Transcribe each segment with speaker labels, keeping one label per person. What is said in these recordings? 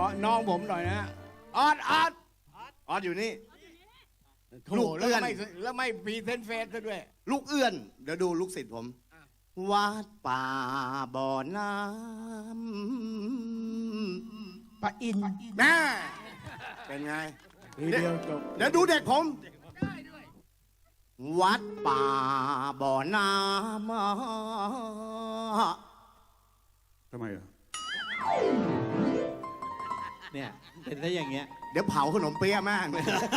Speaker 1: น้องผมหน่อยนะออด
Speaker 2: ออสอยู่นี่
Speaker 1: ลูก
Speaker 2: เอื้
Speaker 1: แล้ว
Speaker 2: อน
Speaker 1: ไม่พรีเซนต์เฟซซะด้วย
Speaker 2: ลูกเอื้อน เดี๋ยวดูลูกศิษย์ผม วัดป่าบ่อน้ำ
Speaker 1: ปะอิน
Speaker 2: แม่เป็นไง
Speaker 1: ทีเดียวจบ
Speaker 2: เดี๋ยวดูเด็กผม วัดป่าบ่อน้ำ
Speaker 3: ทำไมอ่ะ
Speaker 4: เนี่ยเป็นได้อย่างเงี้ย
Speaker 2: เดี๋ยวเผาขนมเปี๊ยะแม่ง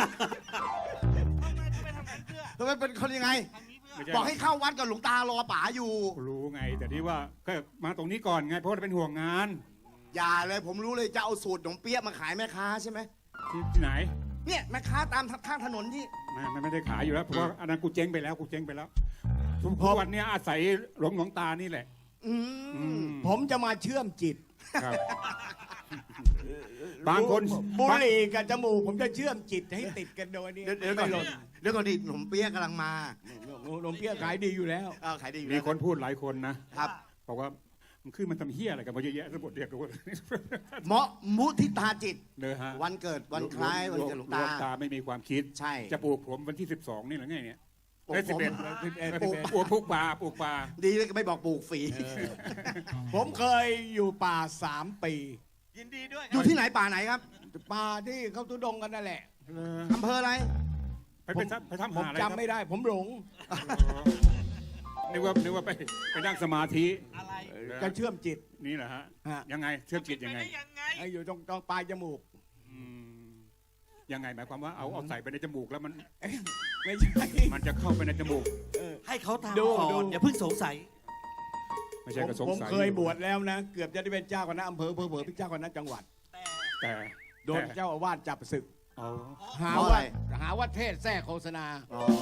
Speaker 2: ทำไมเป็นคนยังไง
Speaker 3: ไม่ใช่
Speaker 2: บอกให้เข้าวัดกับหลวงตารอป๋าอยู่
Speaker 3: รู้ไง แต่ที่ว่าก็มาตรงนี้ก่อนไง เพราะว่าเป็นห่วงงาน
Speaker 2: อย่าเลยผมรู้เลยจะเอาสูตรขนมเปี๊ยะมาขายแม่ค้าใช่ไหม
Speaker 3: ที่ไหน
Speaker 2: เนี่ยแม่ค้าตามข้างถนนที่
Speaker 3: ไม่ได้ขายอยู่แล้วเพราะว่าอันนั้นกูเจ๊งไปแล้วทุกวันเนี้ยอาศัยหลวงตานี่แหละ
Speaker 2: อืม
Speaker 1: ผมจะมาเชื่อมจิต
Speaker 3: ครับ บางคน
Speaker 1: บุหรี่กับจมูกผมจะเชื่อมจิตให้ติดกันโดยนี้
Speaker 2: เดี๋ยวก่อน
Speaker 1: ไม่หล่น
Speaker 2: เดี๋ยวก่อนดิขนมเปี๊ยะกำลังมา
Speaker 1: นมเปี้ยขายดีอยู่แล้ว
Speaker 2: ขายดีอยู่
Speaker 3: มี
Speaker 2: แล้ว
Speaker 3: คนพูดหลายคนนะครับ บอกว่ามันคือมันทำเฮี้ยอะไรกันมาเยอะแยะทั้งหมดเรียกว่า
Speaker 2: เหมาะมุทิตาจิต
Speaker 3: เนอะฮะ
Speaker 2: วันเกิดวันคล้ายวันเกิดหลวงตา
Speaker 3: ไม่มีความคิด
Speaker 2: ใช่
Speaker 3: จะปลูกผมวันที่ 12 นี่หรือไงเนี่ย
Speaker 2: ปลูก
Speaker 3: เอ้ย
Speaker 2: ผม
Speaker 3: 11ปลูกป่า
Speaker 2: ดีเลยไม่บอกปลูกฝี
Speaker 1: ผมเคยอยู่ป่า3 ปี
Speaker 4: ยินดีด้วย
Speaker 2: อยู่ที่ไหนป่าไหนครับ
Speaker 1: ป่าที่เขาทุดงกันนั่นแหละ
Speaker 2: อำเภออะไร
Speaker 3: ไปทำ
Speaker 1: ผม
Speaker 3: หาอะไร
Speaker 1: จำไม่ได้ ผมหลง
Speaker 3: นึกว่าไปนั่งสมาธิ
Speaker 4: อะไร
Speaker 1: จะเชื่อมจิต
Speaker 3: นี่เหรอฮะ
Speaker 1: ฮะ
Speaker 3: ยังไงเชื่อมจิตยังไง
Speaker 4: ยังไง
Speaker 1: ไอ้อยู่ตรงปลายจมูก
Speaker 3: อืมยังไงหมายความว่าเอาใส่ไปในจมูกแล้วมัน
Speaker 1: ไม่ใช่
Speaker 3: มันจะเข้าไปในจมูก
Speaker 4: ให้เขาทำ
Speaker 1: ดู
Speaker 4: ก่อ
Speaker 1: ดู
Speaker 4: นอย่าเพิ่งสงสัย
Speaker 3: ไม่ใช่กระสง
Speaker 1: ผม
Speaker 3: สัย
Speaker 1: เคยบวชแล้วนะ เกือบจะได้เป็นเจ้าคณะอำเภอเผลอๆเป็นเจ้าคณะจังหวัด
Speaker 3: แต่
Speaker 1: โดนเจ้าอาวาสจับศึก
Speaker 3: อ๋อ
Speaker 1: หา
Speaker 2: เพราะ
Speaker 1: ว่า
Speaker 2: อะไร
Speaker 1: หาว่าเทศแทรกโฆษณา
Speaker 2: อ๋อ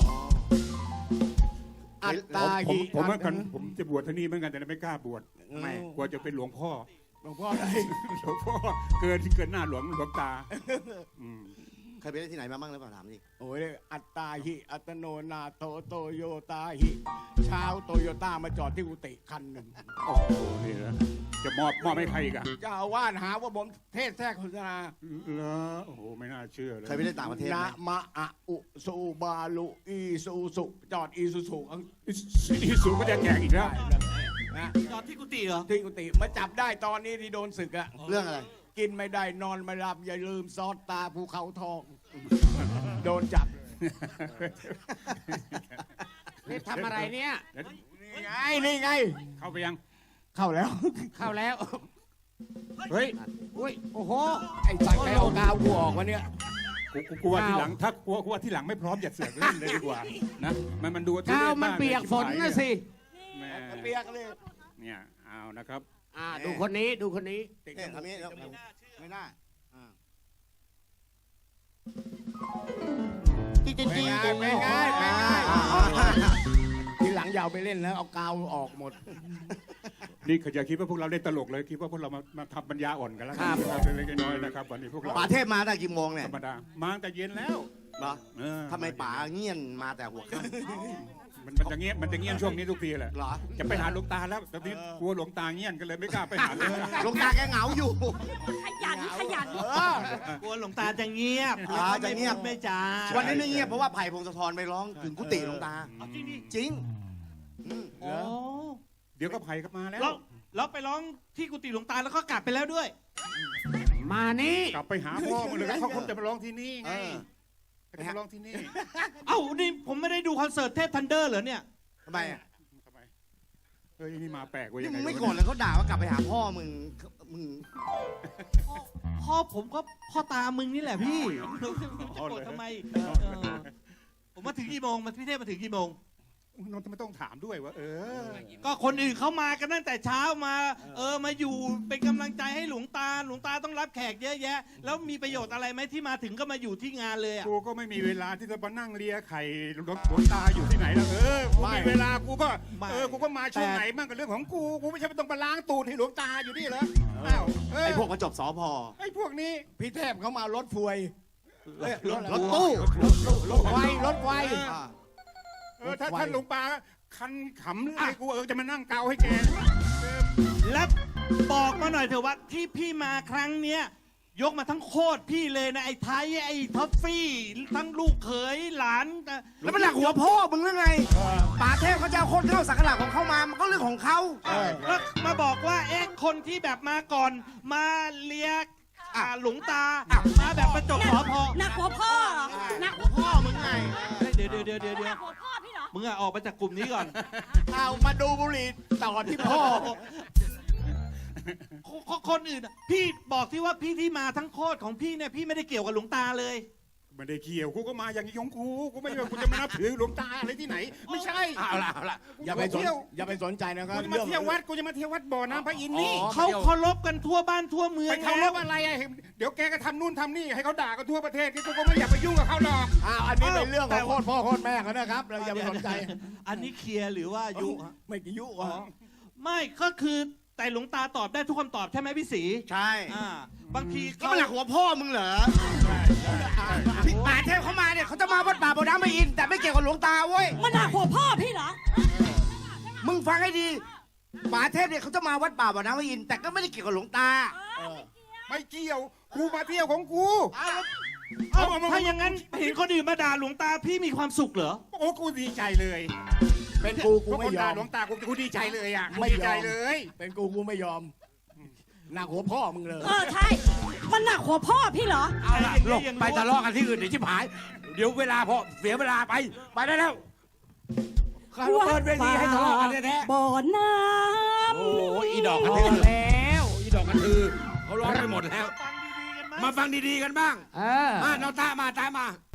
Speaker 1: อัตตา
Speaker 3: ผม
Speaker 1: หิ
Speaker 3: ผมเหมือนกันผมจะบวชที่นี่เหมือนกันแต่ไม่กล้าบวช
Speaker 1: ไม่
Speaker 3: กลัวจะเป็นหลวงพ่อ
Speaker 1: หลวงพ่ออะไร
Speaker 3: หลวงพ่อเกินหน้าหลวงตาอืม
Speaker 2: เคยไปได้ที่ไหนมาบ้างหรือเปล่าถามดิ
Speaker 1: โอ้ยอัตตาหิอัตโนนาโตโตโยตาหิชาวโตโยต้ามาจอดที่กุฏิคันหนึ่ง
Speaker 3: โอ้โหนี่นะจะมอบให้ใครอีกอะ
Speaker 1: เจ้าอาวาสหาว่าผมเทศแทรกโฆษณา
Speaker 3: เหรอโอ้โหไม่น่าเชื่อเลย
Speaker 2: เคยไปได้ต่างประเทศไห
Speaker 1: นะ
Speaker 2: ม
Speaker 1: มะอะอุสูบาลุอีซูสุจอดอีซูสุ
Speaker 3: อีสูก็จะแจกอีกแล้ว
Speaker 1: นะ
Speaker 4: จอดที่กุฏิเหรอ
Speaker 1: ที่กุฏิมาจับได้ตอนนี้ที่โดนศึกอะ
Speaker 2: เรื่องอะไร
Speaker 1: กินไม่ได้นอนไม่หลับอย่าลืมซอสตาภูเขาทอง โดนจับนี่ทำอะไรเนี่ย นี่ไง
Speaker 3: เข้าไปยัง
Speaker 1: เข้าแล้ว เข้าแล้ว
Speaker 3: เฮ้ย
Speaker 1: อุ้ยโอ้โหไอ้สัตว์ใครเอากาวกูออกวะเนี่ย
Speaker 3: กูว่าที่หลังถ้ากลัวที่หลังไม่พร้อมอย่าเสือกเล่นเลยดีกว่านะมันดู
Speaker 1: กาวมันเปียกฝนนะสิ
Speaker 3: แหม่
Speaker 1: เปียกเลย
Speaker 3: เนี่ยเอานะครับ
Speaker 1: ดูคนนี้ดูคนนี้
Speaker 2: เนี่ยทำนี้แล้วไม่น่าจีจี
Speaker 1: ไม่
Speaker 2: จี
Speaker 1: ง่ายไม่ง่ายไม่ง่ายทีหลังอยาวไปเล่นแล้วเอากาวออกหมด
Speaker 3: นี่เขาจะคิดว่าพวกเราเล่นตลกเลยคิดว่าพวกเรามาทำปัญญาอ่อนกันแล้ว
Speaker 1: ครับ
Speaker 3: เล็กๆน้อยๆนะครับวันนี้พวกเรา
Speaker 2: ป๋าเทพมาได้กี่โมงเนี่ย
Speaker 3: ธรรมดามาตั้งแต่เย็นแล้ว
Speaker 2: เหรอ
Speaker 3: เออ
Speaker 2: ทำไมป๋าเงียนมาแต่หัวค่
Speaker 3: มันจะเงียบช่วงนี้ทุกทีแหละ
Speaker 2: ำเหรอ
Speaker 3: จะไปหาหลวงตาแล้วตอนนี้กลัวหลวงตาเงียบกันเลยไม่กล้าไปหาเลย
Speaker 2: หลวงตาแกเหงาอยู่
Speaker 5: ขยัน
Speaker 4: กลัวหลวงตาจะเงียบ
Speaker 2: จะเงียบ
Speaker 4: ไม่จา
Speaker 2: วันนี้ไม่เงียบเพราะว่าไผ่พงศธรไปร้องถึงกุฏิหลวงตา
Speaker 4: เอาจริงดิ
Speaker 2: จริงอืม
Speaker 4: อ๋อ
Speaker 3: เดี๋ยวก็ไผ่ก็มาแล้ว
Speaker 4: แล้วไปร้องที่กุฏิหลวงตาแล้วก็กลับไปแล้วด้วย
Speaker 1: มานี่
Speaker 3: กลับไปหาพ่อมันเลยเขาคงจะมาร้องที่นี่ไง
Speaker 2: เออ
Speaker 3: เขาจะมาร้องที่นี่
Speaker 4: เอ้านี่ผมไม่ได้ดูคอนเสิร์ตเทพทันเดอร์เหรอเนี่ย
Speaker 2: ทำไมอ่ะ
Speaker 3: ทำไมเฮ้ยนี่มาแปลกเว้ย
Speaker 2: นี่
Speaker 3: ยัง
Speaker 2: มึ
Speaker 3: ไง
Speaker 2: งไม่โกรธเลยเขาด่าว่ากลับไปหาพ่อมึง
Speaker 4: พ่อผมก็พ่อตามึงนี่แหละพี่จะโกรธทำไมผมมาถึงกี่โมงพี่เทพมาถึงกี่โมง
Speaker 3: น้องทำไมต้องถามด้วยวะ
Speaker 4: ก็คนอื่นเขามากันตั้งแต่เช้ามามาอยู่เป็นกำลังใจให้หลวงตาต้องรับแขกเยอะแยะ แล้วมีประโยชน์อะไรไหมที่มาถึงก็มาอยู่ที่งานเลยอ่ะ
Speaker 3: กูก็ไม่มีเวลาที่จะมานั่งเลียไข่หลวงตาอยู่ที่ไหนแล้วกูมีเวลากูก็กูก็มาช่วงไหนบ้างกับเรื่องของกูไม่ใช่ไปต้องมาล้างตูดให้หลวงตาอยู่นี่เหรออ้าว
Speaker 2: ไอ้พวกมาจบสพ
Speaker 3: ไอ้พวกนี้
Speaker 1: พี่เทพเขามารถฟวย
Speaker 2: รถตู้
Speaker 1: รถไฟรถไฟ
Speaker 3: ถ้าท่านหลวงตาคันขำเลยกูจะมานั่งเกาให้แก
Speaker 4: แล้วบอกมาหน่อยเถอะว่าที่พี่มาครั้งเนี้ยยกมาทั้งโคตรพี่เลยนะไอ้ไทยไอ้ท็อฟฟี่ทั้งลูกเขยหลาน
Speaker 2: แล้วมันหนักหัวพ่อมึงหรือไงป่าเทพเขาจะเอาคนเข้าสักการะของเขามามันก็เรื่องของเขา
Speaker 4: แล้วมาบอกว่าคนที่แบบมาก่อนมาเลียหลวงตามาแบบประจบสอพอ
Speaker 5: หนักหัวพ่อเหรอหนัก
Speaker 2: พ่อมึงไง
Speaker 4: เดี๋ยว
Speaker 5: หนักหัวพ่อพี่เหรอ
Speaker 4: มึงออกมาจากกลุ่มนี้ก่อน
Speaker 1: เอามาดูบุหรี่ต่อที่พ่อ
Speaker 4: คนอื่นพี่บอกที่ว่าพี่ที่มาทั้งโคตรของพี่เนี่ยพี่ไม่ได้เกี่ยวกับหลวงตาเลย
Speaker 3: ไม่ได้เกี่ยวกูก็มาอย่างนี้ของกูไม่ได้ว่ากูจะมานับถือหลวงตาอะไรที่ไหน ไม่ใช่
Speaker 1: เอาละอย่าไปสนใจนะครับ
Speaker 3: กูจะมาเที่ยววัดกูจะมาเที่ยววัดบ่อน้ำพระอินทร์นี่
Speaker 4: เขาเคารพกันทั่วบ้านทั่วเมือง
Speaker 3: ไปเคารพอะไรอะเดี๋ยวแกก็ทำนู่นทำนี่ให้เขาด่ากันทั่วประเทศกูก็ไม่อยากไปยุ่งกับเขาหรอก
Speaker 1: อันนี้เป็นเรื่องของโคตรพ่อโคตรแม่เขานะครับ เราอย่าไปสนใจ
Speaker 4: อันนี้เคลียร์หรือว่ายุ
Speaker 1: ไม่กี่ยุ
Speaker 4: ไม่ก็คือแต่หลวงตาตอบได้ทุกคำตอบใช่ไหมพี่ศรี
Speaker 2: ใช่
Speaker 4: บางที
Speaker 2: แล้วมันหนักหัวพ่อมึงเหรอป่าเทพเขามาเนี่ยเขาจะมาวัดป่าบ่อน้ำไม่อิน แต่ไม่เกี่ยวกับหลวงตาเว้ย
Speaker 5: มันหนักหัวพ่อพี่เหรอ
Speaker 2: มึงฟังให้ดีป่าเทพเนี่ยเขาจะมาวัดป่าบ่อน้ำไม่อิน แต่ก็ไม่ได้เกี่ยวกับหลวงตา
Speaker 3: ไม่เกี่ยวกูมาเที่ยวของกู
Speaker 4: ถ้าอย่างนั้นเห็นคนอื่นมาด่าหลวงตาพี่มีความสุขเหรอ
Speaker 3: โอ้กูดีใจเลย
Speaker 1: เป็นกู
Speaker 3: พวก
Speaker 1: ไม่
Speaker 3: คน
Speaker 1: ย
Speaker 3: ด่า
Speaker 1: อม
Speaker 3: หลวงตากูดีใจเลยอ่ะกู
Speaker 1: ไม่
Speaker 3: ดี
Speaker 1: ย
Speaker 3: ใจ
Speaker 1: อม
Speaker 3: เลย
Speaker 1: เป็นกูไม่ยอม หนักหัวพ่อมึงเลย
Speaker 5: ใช่ มันหนักหัวพ่อพี่เหรอ
Speaker 6: เอาล่ะลงไปทะเลาะกันที่อื่นเดี๋ยวชิบหาย เดี๋ยวเวลาพอเสียเวลาไปได้แล้วเขาเปิดเวทีให้ทะเลาะกันแท้
Speaker 5: บ่อน้
Speaker 6: ๆโอ้ยอีดอกกระ
Speaker 5: ำ
Speaker 6: ทือแล้วอีดอกกระทือเขาร้องไปหมดแล้ว
Speaker 4: ฟังดีๆกันไหม
Speaker 6: มาฟังดีๆกันบ้าง
Speaker 7: เออ
Speaker 6: เราตามมา